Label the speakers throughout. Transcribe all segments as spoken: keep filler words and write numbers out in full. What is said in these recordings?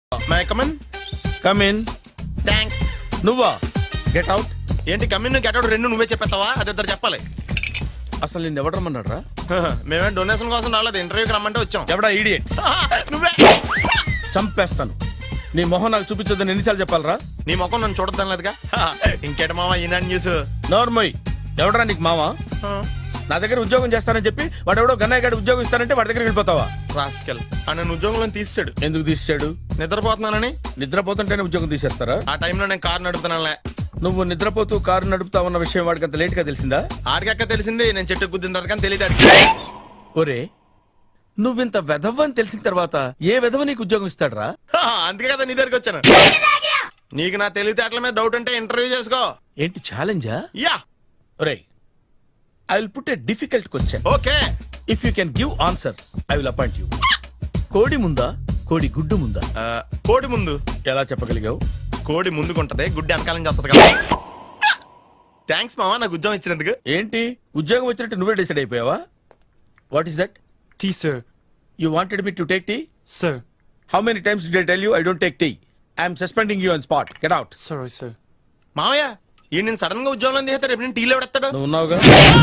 Speaker 1: My come on
Speaker 2: come in.
Speaker 1: Thanks.
Speaker 2: నువ్వా? Get out.
Speaker 1: ఏంటి come in get out రెండు నువ్వే చెప్పేస్తావా? అది ఇద్దరు చెప్పాలి.
Speaker 2: అసలు నేను ఎవడు రమ్మన్నాడు రా?
Speaker 1: మేమే డొనేషన్ కోసం రాలేదు, ఇంటర్వ్యూకి రమ్మంటే వచ్చాం.
Speaker 2: ఎవడా ఈడియట్?
Speaker 1: నువ్వే.
Speaker 2: చంపేస్తాను. నీ మొహం నాకు చూపించొద్దని ఎన్నిసార్లు చెప్పాలరా?
Speaker 1: నీ ముఖం నన్ను చూడద్దాం లేదుగా. ఇంకేట మామ ఈనాడు న్యూస్.
Speaker 2: నోర్మోయ్. ఎవడరా నీకు మావా? నా దగ్గర ఉద్యోగం చేస్తానని చెప్పి వాడు ఎవడో గన్నయ్య గారి ఉద్యోగం ఇస్తానంటే వాడి దగ్గర వెళ్ళిపోతావా?
Speaker 1: రాస్కెల్ ఆ నన్ను ఉద్యోగంలో తీసాడు.
Speaker 2: ఎందుకు తీసాడు?
Speaker 1: నిద్రపోతున్నానని.
Speaker 2: నిద్రపోతుంటేనే ఉద్యోగం తీసేస్తారా?
Speaker 1: ఆ టైంలో నేను కారు నడుపుతున్నానులే.
Speaker 2: నువ్వు నిద్రపోతూ కారు నడుపుతావన్న విషయం వాడికి అంత లేట్ గా తెలిసిందా?
Speaker 1: ఆడికక్క తెలిసింది, నేను చెట్టు గుద్దిన తర్వాత కానీ తెలియదు.
Speaker 2: ఒరే, నువ్వింత వెధవ్ అని తెలిసిన తర్వాత ఏ వెధవ నీకు ఉద్యోగం ఇస్తాడరా?
Speaker 1: అందుకే కదా నీ దగ్గరికి వచ్చాను. నీకు నా తెలివితేటల మీద డౌట్ అంటే ఇంటర్వ్యూ చేసుకో.
Speaker 2: ఏంటి ఛాలెంజా?
Speaker 1: యా.
Speaker 2: ఒరే, I will put a difficult question.
Speaker 1: Okay.
Speaker 2: If you can give answer I will appoint you. కోడి ముందా, కోడి గుడ్డు ముందా?
Speaker 1: కోడి ముందు.
Speaker 2: ఎలా చెప్పగలిగావు?
Speaker 1: కోడి ముందుకుంటది, గుడ్డి వెనకాలం చేస్తుంది కదా. థ్యాంక్స్ మామా నాకు ఉద్యోగం ఇచ్చినందుకు.
Speaker 2: ఏంటి ఉద్యోగం వచ్చినట్టు నువ్వే డిసైడ్ అయిపోయావా? What is that?
Speaker 3: Tea, sir.
Speaker 2: You wanted me to take tea?
Speaker 3: Sir.
Speaker 2: How many times did I tell you I don't take tea? I am suspending you on spot. Get out.
Speaker 3: Sorry, sir.
Speaker 1: మామయ్య ఈ నేను sudden గా ఉద్యోగంలో తీసేస్తాడు. రేపు నేను టీలో పెడతాడు.
Speaker 2: నువ్వు ఉన్నావుగా?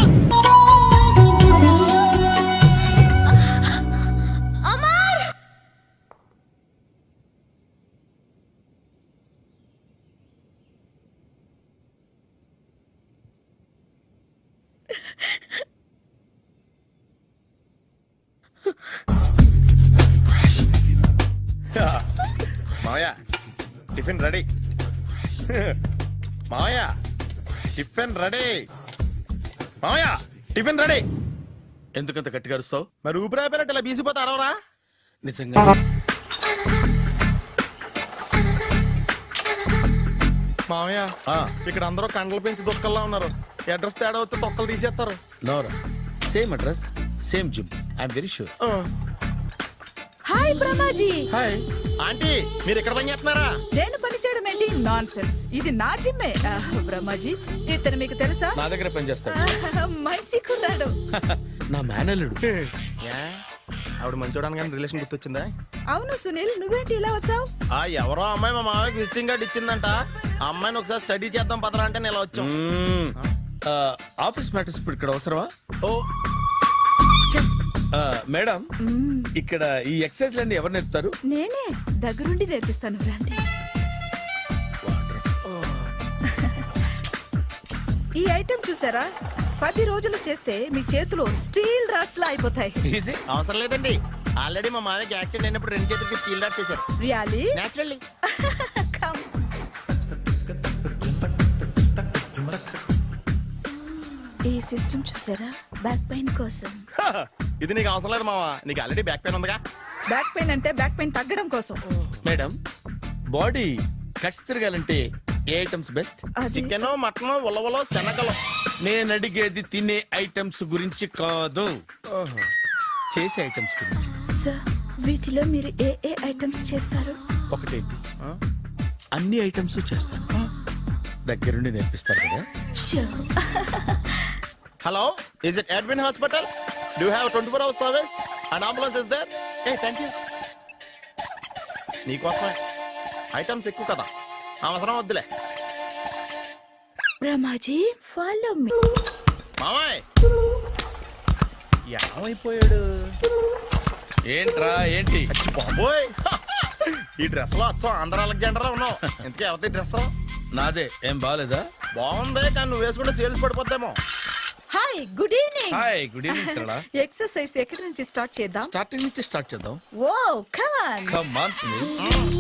Speaker 1: మామయ్య టిఫిన్ రెడీ. మామయ్య టిఫిన్ రెడీ. మామయ్య టిఫిన్ రెడీ.
Speaker 2: ఎందుకంత గట్టిగా అరుస్తావు?
Speaker 1: మరి ఊపిరాయిపోయినట్టు ఇలా బీసిపోతే అరవరా?
Speaker 2: నిజంగా
Speaker 1: మామయ్య
Speaker 2: ఆ,
Speaker 1: ఇక్కడ అందరూ కండలు పెంచి దుక్కల్లా ఉన్నారు. అడ్రస్ తేడా వస్తే తొక్కలు తీసేస్తారు.
Speaker 2: నోరా. Same address, same gym. I'm very sure.
Speaker 4: Hi Brahmaji.
Speaker 2: Hi.
Speaker 1: Aunty మీరు ఇక్కడ పని చేస్తున్నారా?
Speaker 4: నేను పని చేయడం ఏంటి? Nonsense. ఇది నా జిమ్మే. ఆహ్, బ్రహ్మాజీ ఇతను మీకు తెలుసా?
Speaker 2: నా దగ్గర పని చేస్తాడు.
Speaker 4: ఆహ్, మంచి కుర్రాడు.
Speaker 2: నా మేనల్లుడు.
Speaker 1: ఏ? ఆవిడ మంచోడానికి కానీ రిలేషన్ గుర్తొచ్చిందా?
Speaker 4: అవును సునీల్, నువ్వేంటి ఇలా వచ్చావు?
Speaker 1: ఆ ఎవరో అమ్మాయి మా మామయ్యకి విజిటింగ్ కార్డ్ ఇచ్చిందంట. ఆ అమ్మాయిని ఒకసారి స్టడీ చేద్దాం పదరా అంటే నేను ఇలా వచ్చాం.
Speaker 2: మ్మ్. ఆ, ఆఫీస్ మ్యాటర్స్ ఇప్పుడు ఇక్కడ అవసరమా?
Speaker 1: ఓ
Speaker 2: ఆ, మేడం,
Speaker 4: మ్మ్,
Speaker 2: ఇక్కడ ఈ ఎక్సర్సైజ్ లన్నీ ఎవరు నేర్పుతారు?
Speaker 4: నేనే దగ్గరుండి నేర్పిస్తాను రండి. ఈ ఐటెం చూసారా? పది రోజులు చేస్తే మీ చేతులు స్టీల్ రాట్స్ లా అయిపోతాయి.
Speaker 2: ఈజీ.
Speaker 1: అవసరం లేదండి, ఆల్రెడీ మా మామయ్యకి యాక్సిడెంట్ అయినప్పుడు రెండు చేతులకి స్టీల్ డాట్ చేశారు.
Speaker 4: రియాలీ?
Speaker 1: నేచురల్లీ.
Speaker 4: కమ్. ఈ సిస్టమ్ చూసారా? బ్యాక్ పెయిన్ కోసం.
Speaker 1: ఇది నీకు అవసరం లేదు మామ, నీకు ఆల్రెడీ బ్యాక్ పెయిన్ ఉందిగా.
Speaker 4: బ్యాక్ పెయిన్ అంటే బ్యాక్ పెయిన్ తగ్గడం కోసం.
Speaker 2: మేడం, బాడీ కట్స్ తిరగాలంటే ఏ ఐటమ్స్ బెస్ట్?
Speaker 4: అది
Speaker 1: చికెన్, మటన్, ఉలవలో, శనగలు.
Speaker 2: నేను అడిగేది తినే ఐటమ్స్ గురించి కాదు, చేసే ఐటమ్స్ గురించి.
Speaker 4: సార్, వీటిలో మీరు ఏ ఏ ఐటమ్స్ చేస్తారు?
Speaker 2: ఒకటేంటి, అన్ని ఐటమ్స్ చేస్తాను. దగ్గరుండి నేర్పిస్తారు కదా.
Speaker 4: Sure.
Speaker 1: Hello, is it admin hospital? Do have twenty four hours service and ambulance is there? ఏ థ్యాంక్ యూ. నీకోసమే ఐటమ్స్ ఎక్కువ కదా, అవసరం వద్దులే.
Speaker 4: Brahmaji, follow me.
Speaker 1: మామయ్య ఏమైపోయాడు?
Speaker 2: ఏంట్రా ఏంటి?
Speaker 1: అచ్చి బాబోయ్, ఈ డ్రెస్ లో అచ్చం ఆంధ్ర అలెగ్జాండర్ ఉన్నావు. ఇంతకీ ఎవరి డ్రెస్?
Speaker 2: నాదే. ఏం బాగాలేదా?
Speaker 1: బాగుంది, కానీ నువ్వు వేసుకుంటే సేల్స్ పడిపోద్దేమో.
Speaker 4: Hi, good evening.
Speaker 2: Hi, good evening Sarala.
Speaker 4: Exercise ఎక్కడి నుంచి స్టార్ట్ చేద్దాం?
Speaker 2: స్టార్టింగ్ నుంచి స్టార్ట్ చేద్దాం.
Speaker 4: Oh come on.
Speaker 2: Come on Sunil.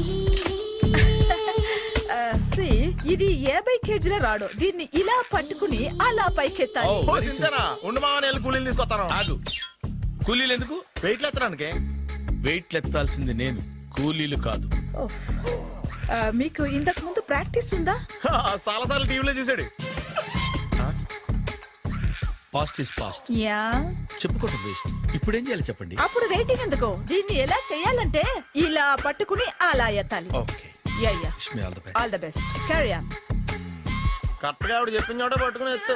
Speaker 4: సి, ఇది యాభై కేజీల రాడు. దీన్ని ఇలా పట్టుకుని అలా పైకెత్తాలి.
Speaker 2: Oh.
Speaker 1: ఓ, సింతేనా? ఉండు మామ, నేను వెళ్ళి కూలీలు తీసుకొస్తాను.
Speaker 2: ఆగు. కూలీలు ఎందుకు?
Speaker 1: వెయిట్ ఎత్తడానికి.
Speaker 2: వెయిట్ ఎత్తాల్సింది నేను, కూలీలు కాదు.
Speaker 4: ఓ. ఆ, మీకు ఇంతకు ముందు ప్రాక్టీస్ ఉందా?
Speaker 1: చాలా సార్లు టీవీలో చూసాడు.
Speaker 2: Past is past.
Speaker 4: యా.
Speaker 2: చెప్పుకోవటం వేస్ట్. ఇప్పుడు ఏం చేయాలి చెప్పండి.
Speaker 4: అప్పుడు వెయిటింగ్ ఎందుకు? దీన్ని ఎలా చేయాలంటే ఇలా పట్టుకుని అలా ఎత్తాలి.
Speaker 2: Okay.
Speaker 4: Yeah yeah.
Speaker 2: Wish me all the best.
Speaker 4: All the best. Carry on.
Speaker 1: Correct గా ఆవిడ చెప్పిన చోట పట్టుకుని ఎత్తు.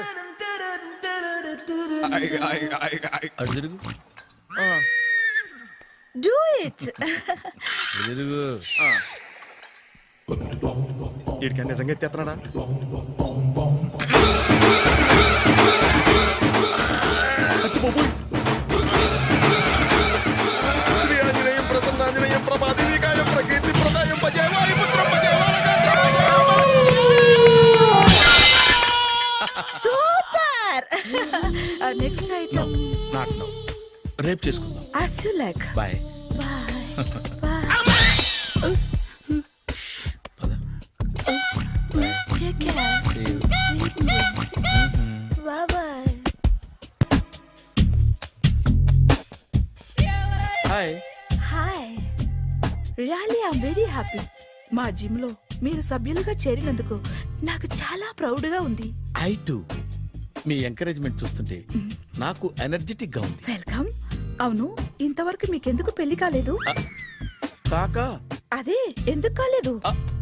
Speaker 2: అటు తిరుగు.
Speaker 4: Do it.
Speaker 2: తిరుగు.
Speaker 1: ఆ. వీడికి నిజంగా ఎత్తేస్తున్నాడా? అచ్చి బాబోయ్. శ్రీ ఆంజనేయం ప్రసన్నాంజనేయం ప్రభాదేవికాయం ప్రకీర్తి ప్రదాయం భజే వాయుపుత్రం భజే
Speaker 4: super. Next item
Speaker 2: not no, రేపు చేసుకుందాం.
Speaker 4: as you like.
Speaker 2: Bye.
Speaker 4: Bye. Bye.
Speaker 2: పద.
Speaker 4: Take care.
Speaker 2: See you.
Speaker 4: Sweet dreams. Bye bye.
Speaker 2: Hi.
Speaker 4: Hi. Really I'm very happy. మా జిమ్ లో మీరు సభ్యులుగా చేరినందుకు నాకు చాలా ప్రౌడ్ గా ఉంది.
Speaker 2: I to. మీ ఎంకరేజ్మెంట్ చూస్తుంటే నాకు ఎనర్జెటిక్ గా ఉంది.
Speaker 4: వెల్కమ్. అవును, ఇంతవరకు మీకెందుకు పెళ్లి కాలేదు?
Speaker 2: కాకా
Speaker 4: అదే ఎందుకు కాలేదు?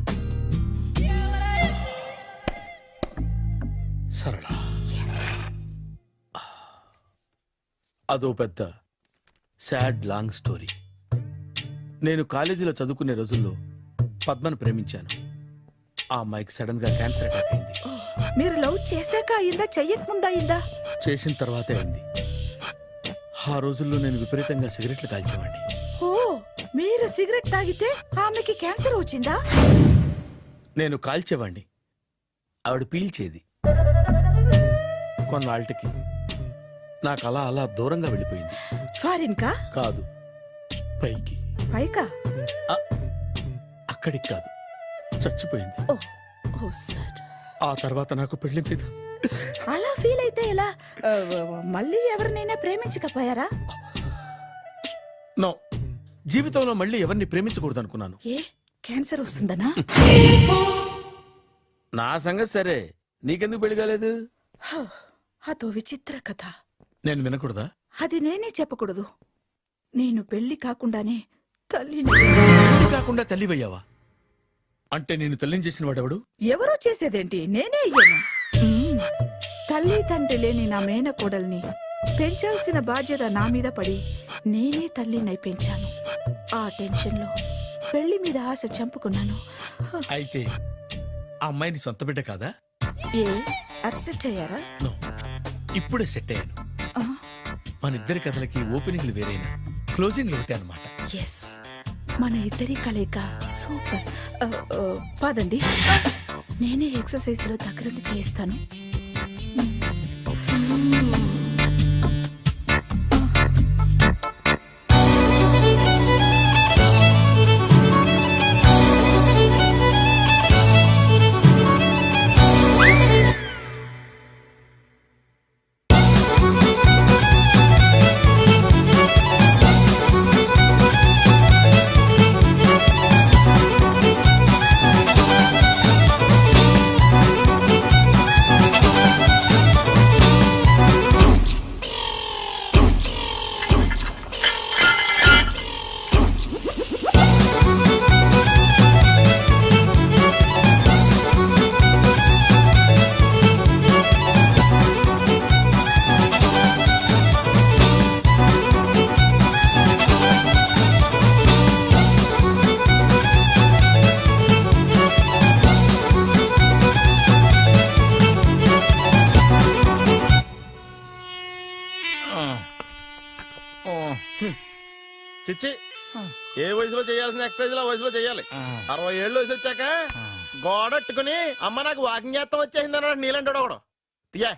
Speaker 2: సరళ, అదో పెద్ద సాడ్ లాంగ్ స్టోరీ. నేను కాలేజీలో చదువుకునే రోజుల్లో పద్మను ప్రేమించాను. ఆ అమ్మాయికి సడన్ గా క్యాన్సర్ అటాక్ అయింది.
Speaker 4: ఓ, మీరు లవ్ చేశాక అయిందా చెయ్యక ముందా అయిందా?
Speaker 2: చేసిన తర్వాతే అయింది. ఆ రోజుల్లో నేను విపరీతంగా సిగరెట్లు కాల్చేవాడిని.
Speaker 4: ఓ, మీరు సిగరెట్ తాగితే ఆమెకి క్యాన్సర్ వచ్చిందా?
Speaker 2: నేను కాల్చేవాణ్ణి, ఆవిడ పీల్చేది. కొన్నాళ్ళకి నాకు అలా అలా దూరంగా వెళ్ళిపోయింది.
Speaker 4: ఫారిన్ కా?
Speaker 2: కాదు, పైకి.
Speaker 4: పైకా?
Speaker 2: ఆ, అక్కడికి కాదు, చచ్చిపోయింది.
Speaker 4: Oh oh sir.
Speaker 2: ఆ తర్వాత నాకు పెళ్లి మీద
Speaker 4: అలా ఫీల్ అయితే ఎలా? ఆ, మళ్ళీ ఎవరినైనా ప్రేమించకపోయారా?
Speaker 2: నో, జీవితంలో మళ్ళీ ఎవరిని ప్రేమించకూడదు అనుకున్నాను.
Speaker 4: ఏ క్యాన్సర్ వస్తుందనా?
Speaker 2: నా సంగతి సరే, నీకెందుకు పెళ్లి కాలేదు?
Speaker 4: హ, అదో విచిత్ర కథ.
Speaker 2: నేను వినకూడదా?
Speaker 4: అది నేనే చెప్పకూడదు. నేను పెళ్లి కాకుండానే తల్లిని.
Speaker 2: పెళ్లి కాకుండా తల్లివయ్యావా? అంటే నేను తల్లిని చేసిన వాడెవడు?
Speaker 4: ఎవరో చేసేదేంటి, నేనే అయ్యాను. మ్మ్. తల్లి తండ్రి లేని నా మేనకోడల్ని పెంచాల్సిన బాధ్యత నా మీద పడి నేనే తల్లినై పెంచాను. ఆ టెన్షన్లో పెళ్లి మీద ఆశ చంపుకున్నాను. హ,
Speaker 2: అయితే ఆ అమ్మాయిని సొంత బిడ్డ కాదా?
Speaker 4: ఏ అప్సెట్ అయ్యారా?
Speaker 2: నో, ఇప్పుడే సెట్ అయ్యాను.
Speaker 4: ఆ,
Speaker 2: మన ఇద్దరి కథలకి ఓపెనింగ్లు వేరైనా క్లోజింగ్లు ఒకటే అనమాట.
Speaker 4: ఎస్, మన ఇద్దరి కలయిక సూపర్. ఆ, ఆ, పదండి, నేనే ఎక్సర్సైజ్ లో దగ్గరుండి చేయిస్తాను.
Speaker 1: చిచ్చి, ఏ వయసులో చేయాల్సిన ఎక్సర్సైజ్ ఆ వయసులో చేయాలి. అరవై ఏళ్ళు వయసు వచ్చాక గోడట్టుకుని అమ్మ నాకు వాకింగ్ చేస్తాం వచ్చేసింది అన్నాడు నీలంటాడు ఒకడు. తీయా.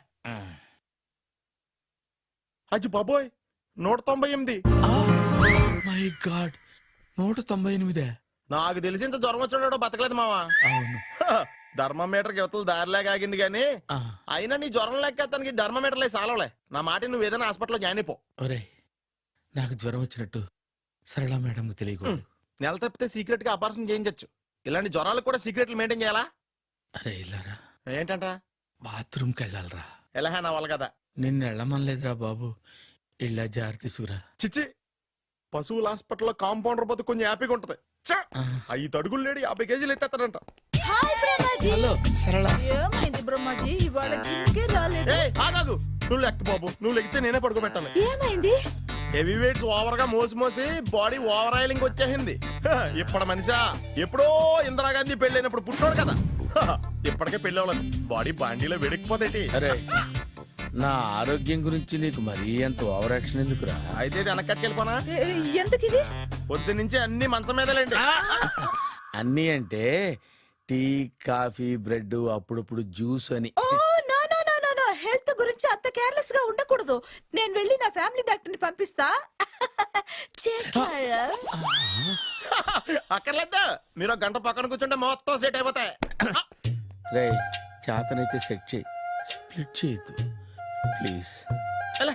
Speaker 1: అచ్చి బాబోయ్, నూట తొంభై ఎనిమిది.
Speaker 2: మై గాడ్, నూట తొంభై ఎనిమిదే.
Speaker 1: నాకు తెలిసి ఇంత జ్వరం వచ్చాడో బతకలేదు మావా.
Speaker 2: అవును.
Speaker 1: ధర్మమీటర్ యువతలు దారిలాగా ఆగింది గానీ
Speaker 2: ఆ,
Speaker 1: అయినా నీ జ్వరం లెక్క అతనికి ధర్మమీటర్లే సాలవలే. నా మాట నువ్వు ఏదైనా హాస్పిటల్లో జాయిన్ అయిపో.
Speaker 2: ఒరేయ్, నాకు జ్వరం వచ్చినట్టు సరళ మేడం తెలియకూడదు.
Speaker 1: నెల తప్పితే సీక్రెట్ గా ఆపరేషన్ చేయించచ్చు. ఇలాంటి జ్వరాలకు కూడా సీక్రెట్లు మెయింటైన్ చేయాలా?
Speaker 2: అరే ఇల్లారా,
Speaker 1: ఏంటంట?
Speaker 2: బాత్రూమ్కి వెళ్ళాలరా.
Speaker 1: ఎలా నా వాళ్ళ కదా.
Speaker 2: నిన్ను వెళ్ళమనలేదురా బాబు, ఇళ్ళ జారి తీసుకురా.
Speaker 1: చిచ్చి, పశువుల హాస్పిటల్లో కాంపౌండర్ బతు కొంచెం హ్యాపీగా ఉంటది. చ్చ!
Speaker 2: ఆ,
Speaker 1: ఐదు అడుగులు లేడి యాభై కేజీలు ఎత్తేస్తాడంట.
Speaker 4: హాయ్ బ్రహ్మాజీ.
Speaker 2: హలో సరళ.
Speaker 4: ఏమైంది బ్రహ్మాజీ, ఇవాళ జిమ్కే రాలేదు?
Speaker 1: ఏ ఆగాగు, నువ్వు లెక్క బాబు, నువ్వు లెక్కితే నేనే పడుకోబెట్టాలి.
Speaker 4: ఏమైంది?
Speaker 1: హెవీ వెయిట్స్ ఓవర్ గా మోసి మోసి బాడీ ఓవర్ ఆయిలింగ్ వచ్చేసింది హ, ఇప్పుడు మనిషా ఎప్పుడో ఇందిరాగాంధీ పెళ్ళైనప్పుడు పుట్టినోడు కదా హ, ఇప్పటికే పెళ్ళి అవ్వలేదు బాడీ బాండీలో వెడికిపోతేటి
Speaker 2: అరే నా ఆరోగ్యం గురించి నీకు మరీ అంత ఓవర్ యాక్షన్ ఎందుకురా?
Speaker 1: అయితే ఇది వెనక్కట్టుకెళ్ళిపోనా
Speaker 4: ఏ, ఎందుకు ఇది?
Speaker 1: పొద్దు నుంచి అన్ని మంచం మీదలేండి
Speaker 2: అన్నీ అంటే టీ కాఫీ బ్రెడ్ అప్పుడప్పుడు జ్యూస్ అని.
Speaker 4: Oh no no no no no health గురించి అంత కేర్లెస్ గా ఉండకూడదు. నేను వెళ్ళి నా ఫ్యామిలీ డాక్టర్ ని పంపిస్తా. చేస్తారా?
Speaker 1: అక్కర్లేదు మీరు ఒక గంట పక్కన కూర్చుంటే మొత్తం సెట్ అయిపోతాయి
Speaker 2: రే చేతనైతే సెట్ చేయి, స్ప్లిట్ చేయొద్దు ప్లీజ్.
Speaker 1: ఎలా?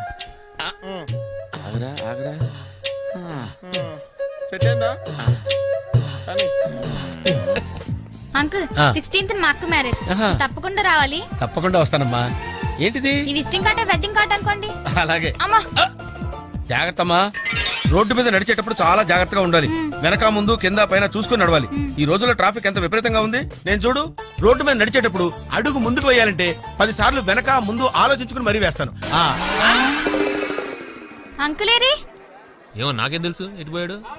Speaker 2: ఆగరా ఆగరా. ఆ.
Speaker 1: సెట్ అయిందా కానీ
Speaker 3: అంకుల్ సిక్స్టీన్త్ మా అక్క మ్యారేజ్
Speaker 5: ఆహా.
Speaker 3: తప్పకుండా రావాలి.
Speaker 5: తప్పకుండా వస్తానమ్మా. ఏంటిది?
Speaker 3: ఈ విజిటింగ్ కార్డ్ వెడ్డింగ్ కార్డ్ అనుకోండి.
Speaker 5: అలాగే.
Speaker 3: అమ్మా
Speaker 5: జాగ్రత్త అమ్మా. రోడ్డు మీద నడిచేటప్పుడు చాలా జాగ్రత్తగా ఉండాలి. వెనక ముందు కింద పైన చూసుకుని నడవాలి. ఈ రోజుల్లో ట్రాఫిక్ ఎంత విపరీతంగా ఉంది. నేను చూడు రోడ్డు మీద నడిచేటప్పుడు అడుగు ముందుకు వేయాలంటే పది సార్లు వెనక ముందు ఆలోచించుకుని మరీ వేస్తాను. ఆ
Speaker 3: అంకులేరి
Speaker 6: ఏమో నాకేం తెలుసు ఎటు పోయాడు.